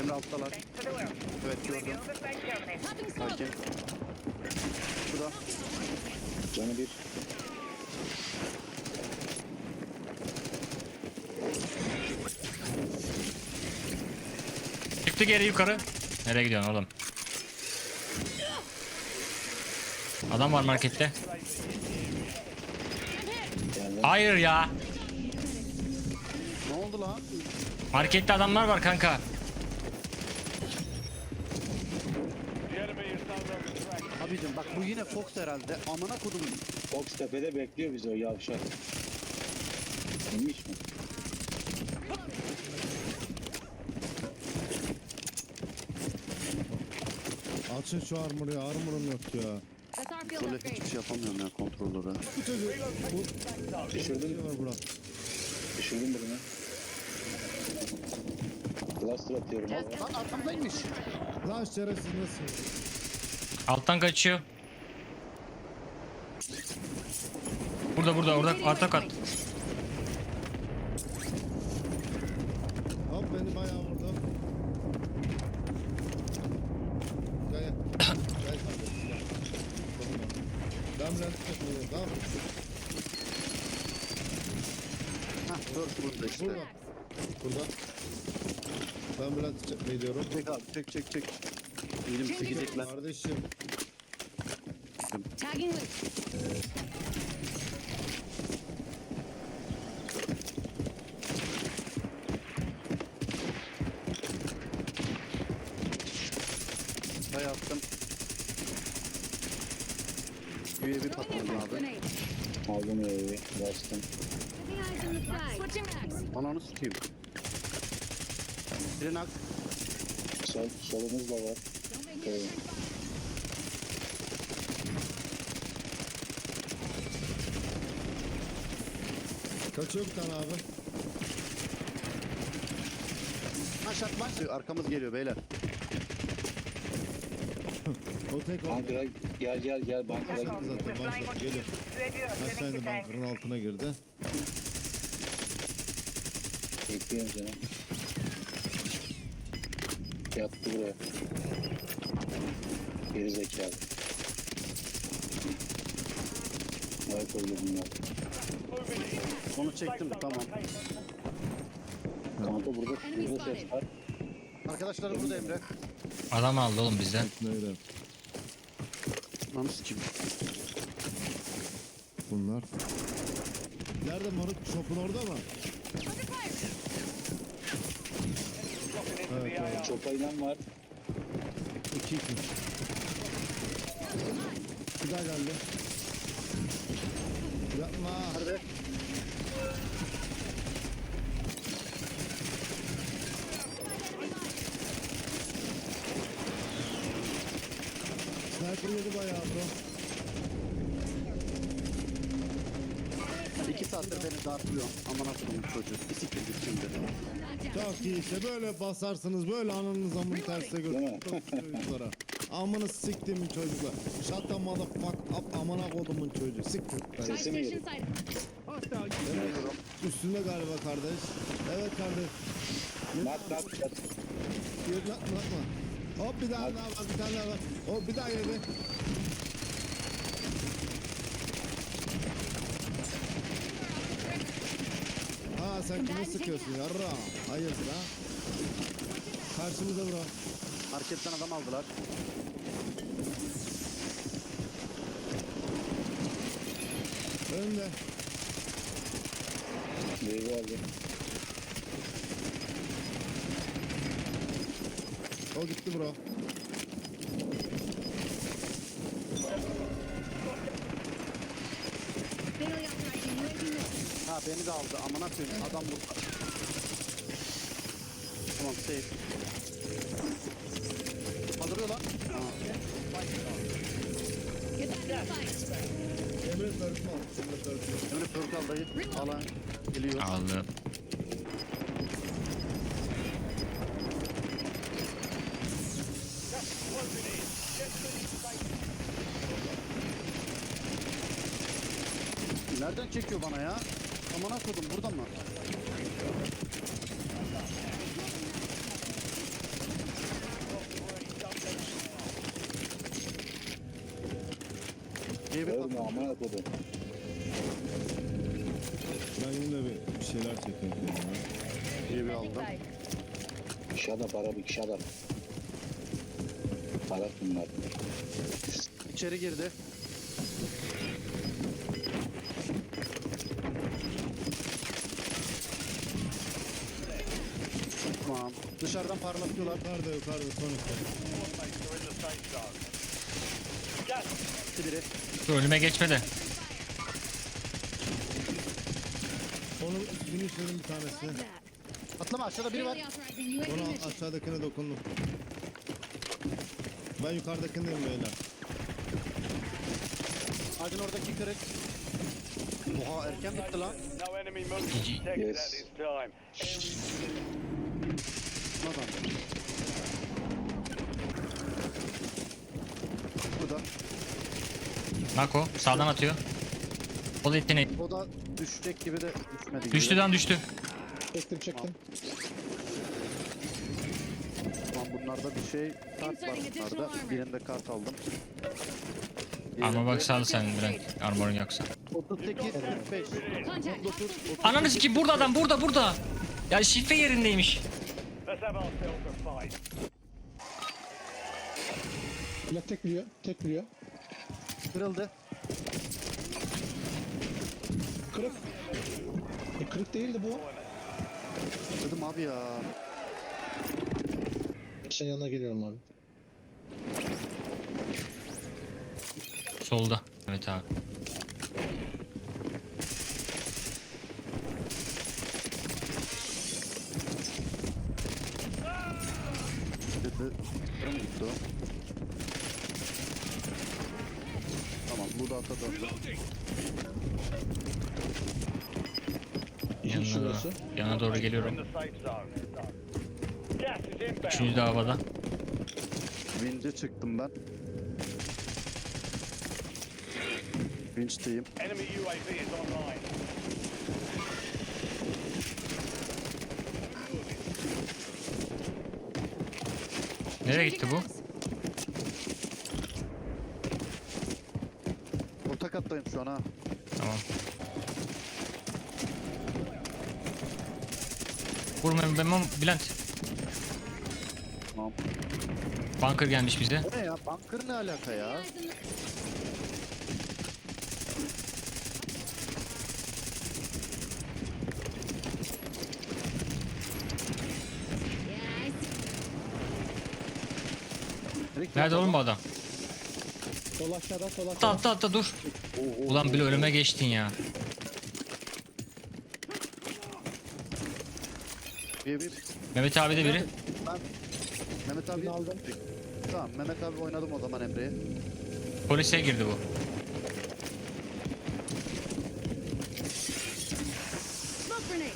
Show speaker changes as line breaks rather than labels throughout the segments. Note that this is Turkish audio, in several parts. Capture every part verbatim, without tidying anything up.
Emre alttalar. Evet gördüm. Hakim. Şurada.
Canı bir.
Çıktı geri yukarı. Nereye gidiyorsun oğlum? Adam var markette.
Geldi.
Hayır ya.
Ne oldu lan?
Markette adamlar var kanka.
Abicim bak bu yine Fox herhalde. Amına kodum.
Fox tepede bekliyor bizi o yavşak. İnmiş mi?
Açın şu armoru ya, armorum yok ya.
That's our field
Şöyle
upgrade.
hiçbir şey yapamıyorum ya kontrolörü.
Bu çocuğu, bu
Düşürdüm.
şey var bura.
Düşürdüm birini. Cluster atıyorum abi.
Lan arkamdaymış.
Lan şerefsiz nasıl?
Alttan kaçıyor. Burada burada orada arta kat.
Hop beni bayağı vurdu. Gel gel. Gel kardeşim gel. Ben biraz tutmayayım tamam mı?
Hah dört burada işte.
Burada. Burada. Ben biraz tutmayı diyorum.
Çek abi çek çek çek. Elim çekecek lan.
Kardeşim.
Tagging loot.
Bay attım. U A V patladı abi.
Grenade.
Aldım evi. Bastım.
Keeping eyes on the flag. Switching mags.
Ananı sikeyim. Birini ak.
Sol, solumuz da var.
Don't make me
Evet.
return fire.
Kaçıyor bir tane abi.
Ha şart var. Arkamız geliyor beyler.
O tek o.
Bankara gel gel gel bankara gel.
Zaten başla geliyor. Aşağı indi bankanın altına girdi.
Bekliyorum seni. Yattı buraya. Geri zekalı. Evet öyle bunlar.
Onu çektim tamam.
Kanka burada, burada ses var.
Arkadaşlar burada Emre.
Adam aldı oğlum bizden.
Neydi?
Ananı sikeyim.
Bunlar. Nerede moruk? Shop'un orada mı? Evet, evet.
Çok ayılan var.
İki iki. Bir daha geldi. Yapma.
Nerede?
Sniper yedi bayağı bro.
İki saattir beni dartlıyor. Aman akıllım çocuğu. Bisiklet şimdi.
Çok iyi işte böyle basarsınız böyle ananız amını terse
Değil mi?
götürün çocuklara. Amını siktimin çocuklar. Shut the motherfuck up amına kodumun çocuğu. Siktir.
Buy
Sesi mi
station
geliyor?
side.
Üstünde galiba kardeş. Evet kardeş.
Mat mat mat.
Yürü atma atma. Hop bir daha daha var bir tane daha var. Hop bir daha yedi. Ha sen kime sıkıyorsun yarra? Hayırdır ha? Karşımıza bro.
Marketten adam aldılar.
Önde.
Meyve aldı.
O gitti bro.
Barely authorizing U A V missing.
Ha beni de aldı. Aman akıllım. Adam burada. Tamam safe. Kaldırıyor lan. Ha.
Get back in the fight.
Emre tartma. Emre tartma.
Emre Pörkal dayı. Alan geliyor.
Aldı.
Nereden çekiyor bana ya? Aman akıllım buradan mı?
Ölme
patladı.
amına kodum.
Ben yine bir bir şeyler çekeyim. ya.
İyi bir aldım.
Shut up Arabik shut up. Arap bunlar.
İçeri girdi. Tamam. Dışarıdan parlatıyorlar.
Yukarıda yukarıda son iki.
İki biri.
Dur, önüme geçmedi.
Onu finisher'ın bir tanesi.
Like that.
Atlama aşağıda biri var.
Barely authorizing U A V
Onu
mission.
aşağıdakine dokundum. Ben yukarıdakindeyim beyler.
Ağacın oradaki kırık. Oha erken bitti lan.
No enemy movement
G G.
detected
Yes.
at this time.
Adam. Burada.
Nako sağdan atıyor. O da yeteneği.
O da düşecek gibi de düşmedi gibi.
Düştü lan düştü.
Çektim çektim.
Tamam bunlarda bir şey kart var bunlarda. Birinde kart aldım.
Armor bak sağ sen Bülent. Armorun yoksa.
otuz sekiz kırk beş.
Contact.
Ananı sikeyim burada adam burada burada. Ya şifre yerindeymiş.
Let's have ourselves a fight.
Bülent tek vuruyor. Tek vuruyor.
Kırıldı.
Kırık. E, kırık değildi bu.
Dedim abi ya.
Sen yanına geliyorum abi.
Solda. Evet abi.
Dedi. Kırım gitti o. Tamam bu da ata döndü.
Yanına, yana doğru
In
geliyorum.
the safe zone. Gas is inbound.
Üçüncü de havada.
Vinç'e çıktım ben. Vinç'teyim.
Enemy U A V is online.
Nereye gitti bu?
Orta kattayım şu an ha.
Tamam. Vurma Memo Bülent.
Tamam.
Bunker gelmiş bize.
O ne ya? Bunker ne alaka ya?
Eyes in the- Yeah, I see.
Nerede oğlum bu adam?
Sol aşağıda sol
Atla atla atla dur. Ulan bile ölüme geçtin ya.
Bir bir.
Mehmet abi de biri.
Ben Mehmet abi
aldım.
Tamam Mehmet abi oynadım o zaman Emre'ye.
Polise girdi bu.
Smoke grenade.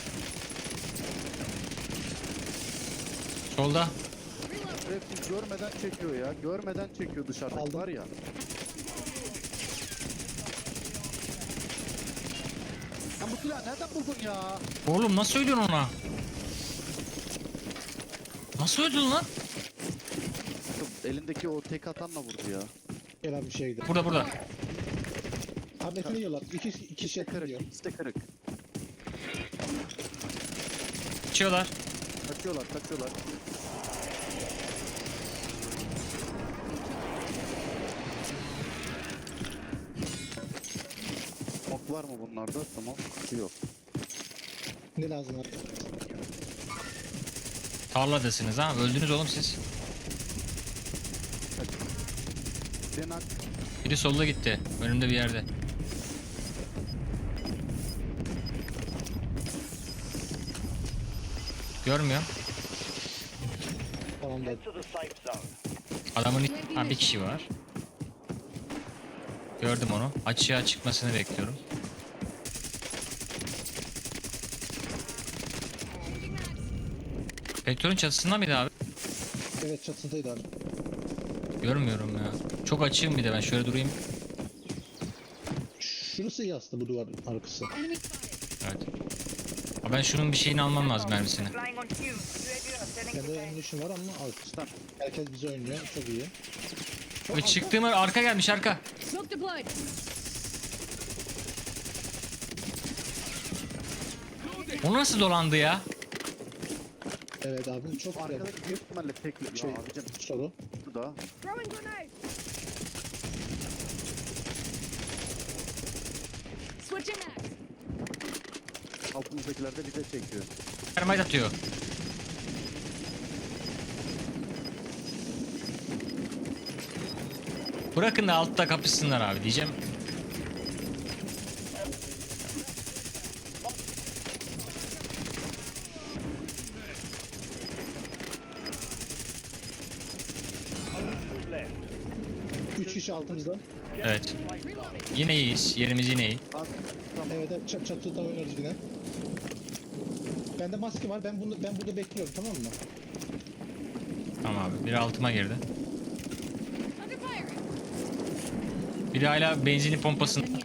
Solda.
Reload.
Hepsi görmeden çekiyor ya. Görmeden çekiyor dışarıda.
Aldım.
Var ya. Sen bu silahı nereden buldun ya?
Oğlum nasıl ölüyorsun ona? Nasıl öldün lan?
Elindeki o tek atanla vurdu ya.
Gel abi bir şey gidelim.
Burada burada.
Abi ne yiyorlar? İki, iki şey
Kırık.
yiyor.
İkisi de kırık.
Kaçıyorlar.
Kaçıyorlar kaçıyorlar. Ok var mı bunlarda? Tamam. Yok.
Ne lazım abi?
Tarladasınız ha. Öldünüz oğlum siz.
Denak.
Biri solda gitti. Önümde bir yerde. Görmüyorum.
Tamam da.
Head to the safe zone.
Adamın ha, bir kişi var. Gördüm onu. Açığa çıkmasını bekliyorum. Petrolün çatısında mıydı abi?
Evet çatısındaydı abi.
Görmüyorum ya. Çok açığım bir de ben şöyle durayım.
Şurası iyi aslında bu duvar arkası.
Enemy spotted.
Evet. Ama ben şunun bir şeyini almam lazım mermisini.
Kendi ammunition var ama arkasından. Herkes bizi oynuyor. Çok iyi.
Ve çıktığım yer- arka gelmiş arka.
Smoke deployed.
O nasıl dolandı ya?
Evet abi çok güzel.
Arkadaki büyük ihtimalle tekli.
Şey,
Ya abicim
soru.
şu da.
Throwing grenade. Switching mags.
Altımızdakiler de bize çekiyor.
Termite atıyor. Bırakın da altta kapışsınlar abi diyeceğim.
Two left.
Üç kişi altımızda.
Evet.
Reloading.
Yine iyiyiz. Yerimiz yine iyi.
Bak tamam.
Evet evet çat çatıda oynarız yine. Bende maske var. Ben bunu ben burada bekliyorum tamam mı?
Tamam abi. Biri altıma girdi.
Under fire.
Biri hala benzini pompasın.
Nothing yet.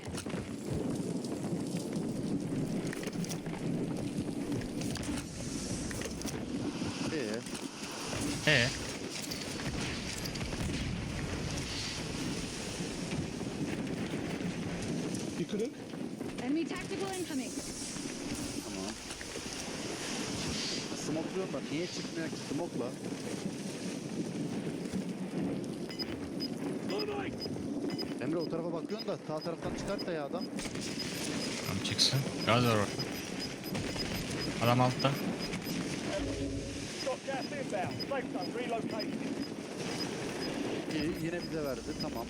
Ee,
Ee,
Bir kırık.
Enemy tactical incoming.
tamam. Smokluyorum da niye çıkmıyor ki smokla? Emre o tarafa bakıyorsun da sağ taraftan çıkart da ya adam.
tamam çıksın. Gaz var orada. Adam altta.
Got gas inbound. Safe zone relocated.
İyi, yine bize verdi tamam.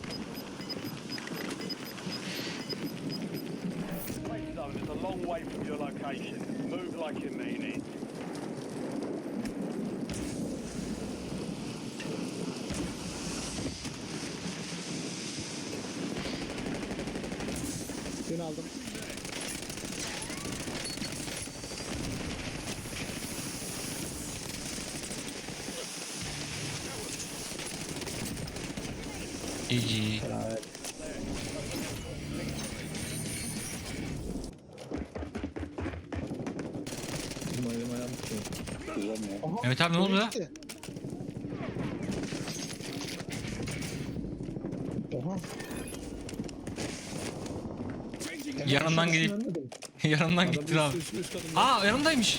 Safe zone is a long way from your location. Move like you mean it.
Seni aldım.
G G.
Benim ayağım tutuyor.
Kullanmıyor.
Aha.
Evet abi ne oldu ya?
gitti. Oha.
Yanından
Ben
gidip
ölmedim.
yanından
Adam
gitti abi.
üst, üst, üst katında.
Aa yanımdaymış.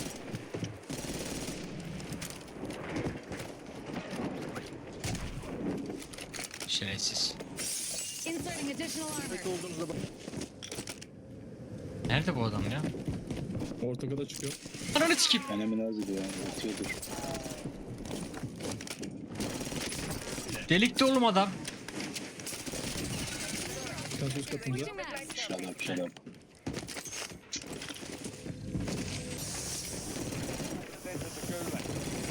Şerefsiz.
Inserting additional armor.
Tek olduğunuzda bak.
Nerede bu adam ya?
Orta kata çıkıyor.
Ananı sikeyim.
Önemli az diyor. Atıyordur.
Delikti oğlum adam.
Bir tanesi üst katımızda.
Switching mags.
Shut up, shut up.
Send to the gulag.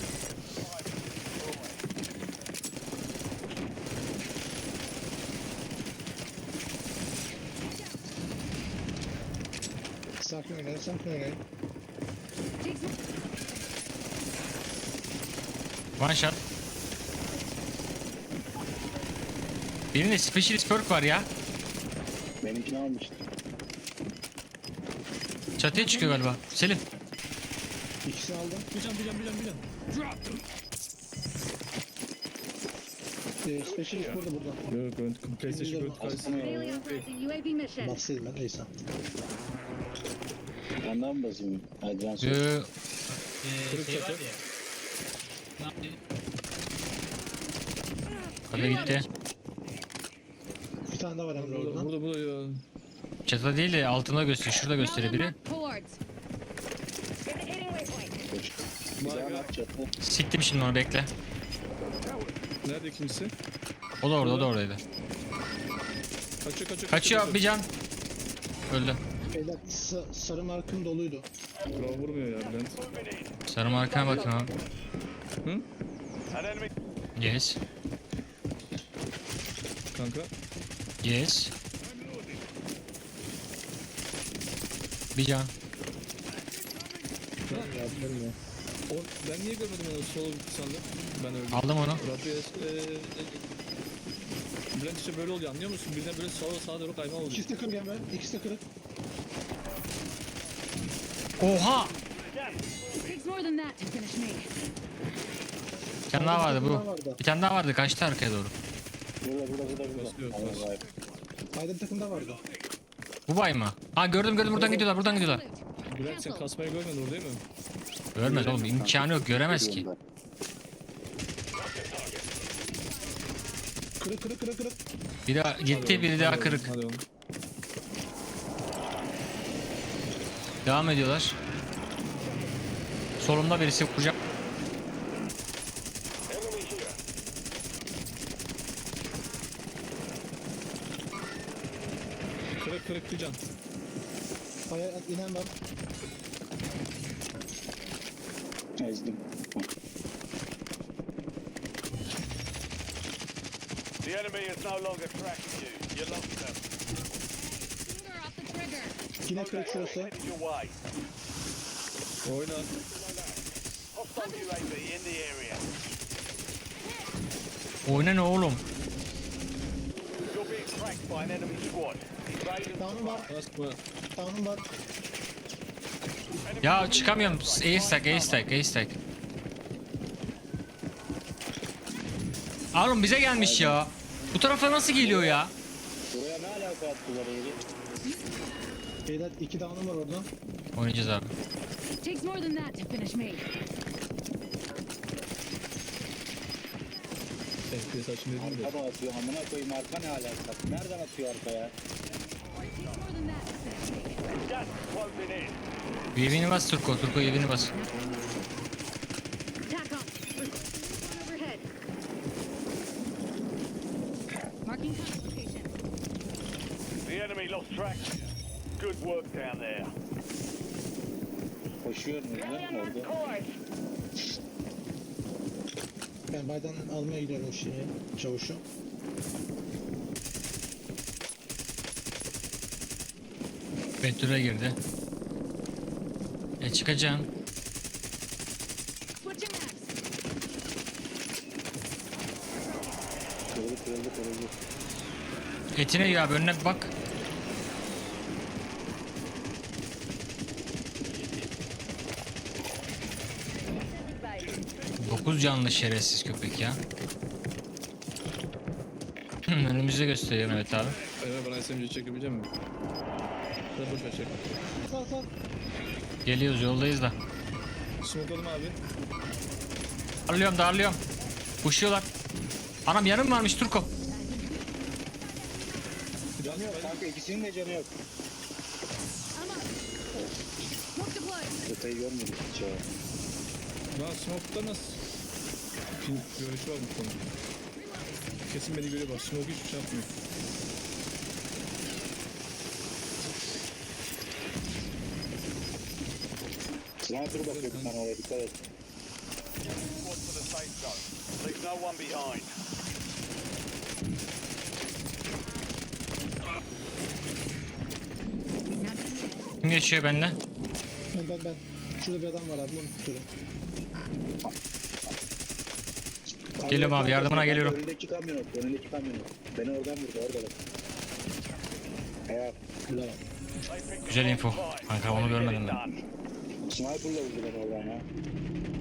Sakin oynayın, sakin oynayın.
Take some.
One shot. Birinde specialist perk var ya.
Benimkini almıştı.
Çatıya çıkıyor galiba. Selim.
İkisini aldım.
Bir can bir can bir can bir can.
Ee, specialist burada burada.
Yok ön PlayStation Gold karşısında.
Aslında
Alien operating U A V mission.
Baksaydım ben neyse.
ondan mı basayım? Advan sor.
Ee,
Kırık çatı.
Hadi gitti.
Bir tane daha var Emre
Burada
orada.
burada burada ya.
Çatıda değil de altında gösteriyor. Şurada gösteriyor biri.
Towards. Indicating waypoint.
Güzel
Baga.
at çatı.
Siktim şimdi onu bekle.
Nerede ikincisi?
O da orada, o da oradaydı.
Kaçıyor kaçıyor.
Kaçıyor bir can. Öldü.
Beyler sa- sarı markım doluydu.
Bravo vurmuyor ya Bülent.
Moving in.
Sarı markana bakın abi.
An enemy.
Yes.
Kanka.
Yes. Bir can.
Ya bilmiyorum.
O, ben niye görmedim onu solo gitti sandım. Ben öldüm.
Aldım onu.
Rabbi eee... Bülent işte böyle oluyor anlıyor musun? Birden böyle sağa sağa doğru kayma oluyor.
İkisi de kırık Emre. İkisi de kırık.
Oha!
It takes more than that to finish me.
Bir tane daha vardı
Bir tane
bu.
vardı.
Bir tane daha vardı kaçtı arkaya doğru.
Burada burada burada burada.
Basıyor,
Allah
basıyor.
Allah.
Aydın takımda vardı.
Bu bay mı? Ha gördüm gördüm buradan gidiyorlar buradan gidiyorlar.
Bülent sen kasmayı görmedin orada değil mi?
Görmez oğlum imkanı yok göremez ki.
Kırık kırık kırık kırık.
Biri gitti biri daha kırık.
Hadi oğlum.
Devam ediyorlar. Solumda birisi vuracak.
Kırık kırık bir can.
Aya inen var.
Ezdim.
The enemy is no longer tracking you. You lost them.
Finger off the trigger.
Yine kırık şurası.
Headed your way.
Oyna.
Hostile U A V in the area.
Oyna ne oğlum?
You're being tracked by an enemy squad. Evade and
Down'um var.
Basma.
Down'um var.
Ya çıkamıyorum. Ace tag ace tag ace tag. Oğlum bize gelmiş ya. Bu tarafa nasıl geliyor ya?
Buraya ne alaka attılar öyle?
Beyler iki down'um var orada.
Oynayacağız abi.
Takes more than that to finish me.
F P S açın dedim de.
Arka da atıyor. Amına koyayım arka ne alaka? Nereden atıyor arkaya?
Takes more than that to finish me.
gas is closing in.
Bir evini bas Turko. Turko evini bas.
Attack on. Overhead. Marking contact location.
The enemy lost track. Good work down there.
Koşuyor mu lan orada?
Ben baydan almaya gidiyorum şeyi. Çavuşu.
Betül'e girdi. E çıkacaksın.
Switching maps.
Kırıldı kırıldı kırıldı.
Etine ya abi önüne bir bak. Dokuz canlı şerefsiz köpek ya. Önümüzde gösteriyorum evet abi.
Ömer bana S M G çekebilecek misin? Sen boş ver çek.
Sağ sağ.
Geliyoruz yoldayız da.
Smokeladım abi.
Darlıyorum darlıyorum. Koşuyorlar. Anam yanım varmış Turko.
Canı yok kanka ikisinin de canı yok.
I'm up. Smoke deployed.
Köpeği görmedik hiç ya.
Lan smoke'da nasıl? Pin görüşü var bu konu. Kesin beni görüyor bak. Smoke hiçbir şey yapmıyor.
Sniper bakıyor bir tane oraya dikkat et.
Squad for the safe zone. Leave no one behind.
Kim geçiyor benimle?
Ben ben ben. Şurada bir adam var abi. Bunu tutuyorum.
Geliyorum abi, yardımına geliyorum.
Önündeki kamyonet, önündeki kamyonet. Beni oradan vurdu, orada bak. Eğer
Güzel.
Güzel info. Kanka onu görmedim ben.
sniper'la vurdu beni oradan ya.